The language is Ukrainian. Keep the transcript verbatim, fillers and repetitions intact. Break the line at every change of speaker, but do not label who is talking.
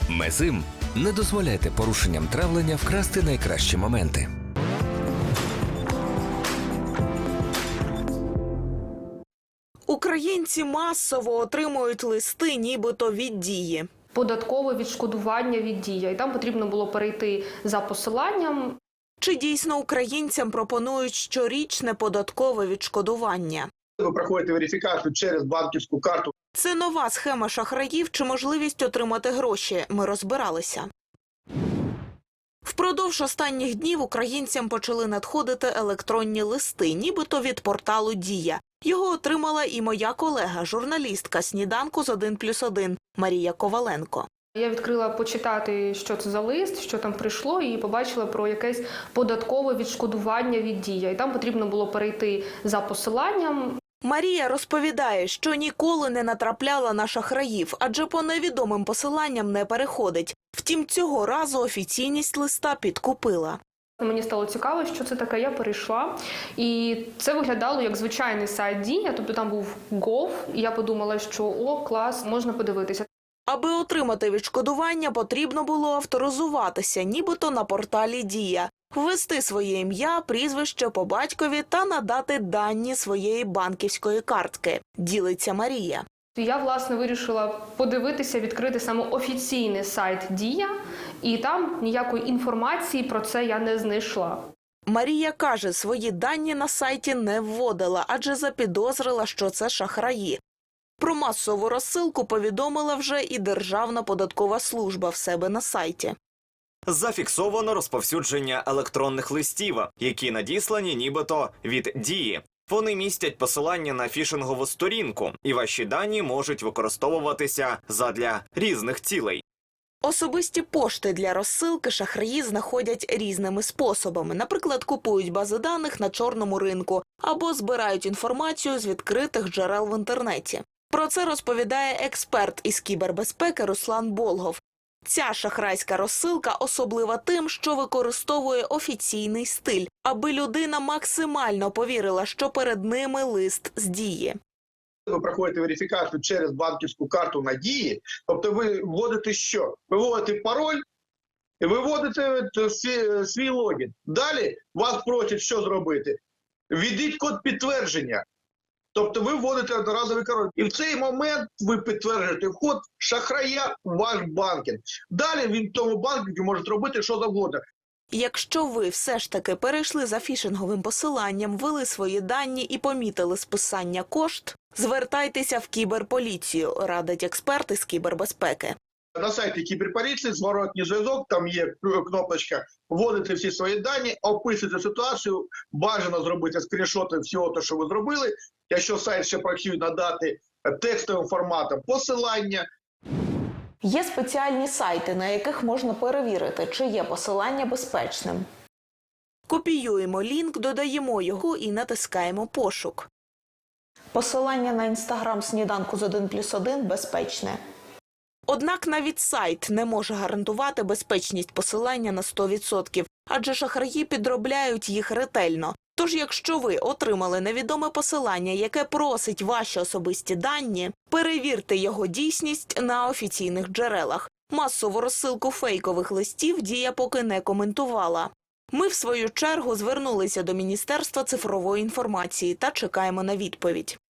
Мезим. Не дозволяйте порушенням травлення вкрасти найкращі моменти.
Українці масово отримують листи нібито від Дії.
Податкове відшкодування від Дія. І там потрібно було перейти за посиланням.
Чи дійсно українцям пропонують щорічне податкове відшкодування?
Ви проходите верифікацію через банківську карту.
Це нова схема шахраїв чи можливість отримати гроші? Ми розбиралися. Впродовж останніх днів українцям почали надходити електронні листи, нібито від порталу «Дія». Його отримала і моя колега, журналістка «Сніданку з один плюс один» Марія Коваленко.
Я відкрила почитати, що це за лист, що там прийшло, і побачила про якесь податкове відшкодування від Дія. І там потрібно було перейти за посиланням.
Марія розповідає, що ніколи не натрапляла на шахраїв, адже по невідомим посиланням не переходить. Втім, цього разу офіційність листа підкупила.
Мені стало цікаво, що це таке, я перейшла. І це виглядало як звичайний сайт Дія, тобто там був Gov, і я подумала, що о, клас, можна подивитися.
Аби отримати відшкодування, потрібно було авторизуватися, нібито на порталі «Дія», ввести своє ім'я, прізвище по батькові та надати дані своєї банківської картки, ділиться Марія.
Я, власне, вирішила подивитися, відкрити саме офіційний сайт Дія, і там ніякої інформації про це я не знайшла.
Марія каже, свої дані на сайті не вводила, адже запідозрила, що це шахраї. Про масову розсилку повідомила вже і Державна податкова служба в себе на сайті.
Зафіксовано розповсюдження електронних листів, які надіслані нібито від Дії. Вони містять посилання на фішингову сторінку, і ваші дані можуть використовуватися задля різних цілей.
Особисті пошти для розсилки шахраї знаходять різними способами. Наприклад, купують бази даних на чорному ринку або збирають інформацію з відкритих джерел в інтернеті. Про це розповідає експерт із кібербезпеки Руслан Болгов. Ця шахрайська розсилка особлива тим, що використовує офіційний стиль, аби людина максимально повірила, що перед ними лист з Дії.
Ви проходите верифікацію через банківську карту на Дії, тобто ви вводите що? Ви вводите пароль і ви вводите свій, свій логін. Далі вас просять що зробити? Введіть код підтвердження. Тобто ви вводите одноразовий пароль. І в цей момент ви підтверджуєте вход шахрая у ваш банкінг. Далі він в тому банкінгу може робити що завгодно.
Якщо ви все ж таки перейшли за фішинговим посиланням, ввели свої дані і помітили списання кошт, звертайтеся в кіберполіцію, радить експерти з кібербезпеки.
На сайті кіберполіції зворотній зв'язок, там є кнопочка «Вводите всі свої дані», описуєте ситуацію, бажано зробити скріншоти всього того, що ви зробили. Якщо сайт ще працює, надати текстовим форматом посилання.
Є спеціальні сайти, на яких можна перевірити, чи є посилання безпечним. Копіюємо лінк, додаємо його і натискаємо «Пошук». Посилання на інстаграм «Сніданку з один плюс один» безпечне. Однак навіть сайт не може гарантувати безпечність посилання на сто відсотків, адже шахраї підробляють їх ретельно. Тож, якщо ви отримали невідоме посилання, яке просить ваші особисті дані, перевірте його дійсність на офіційних джерелах. Масову розсилку фейкових листів Дія поки не коментувала. Ми, в свою чергу, звернулися до Міністерства цифрової інформації та чекаємо на відповідь.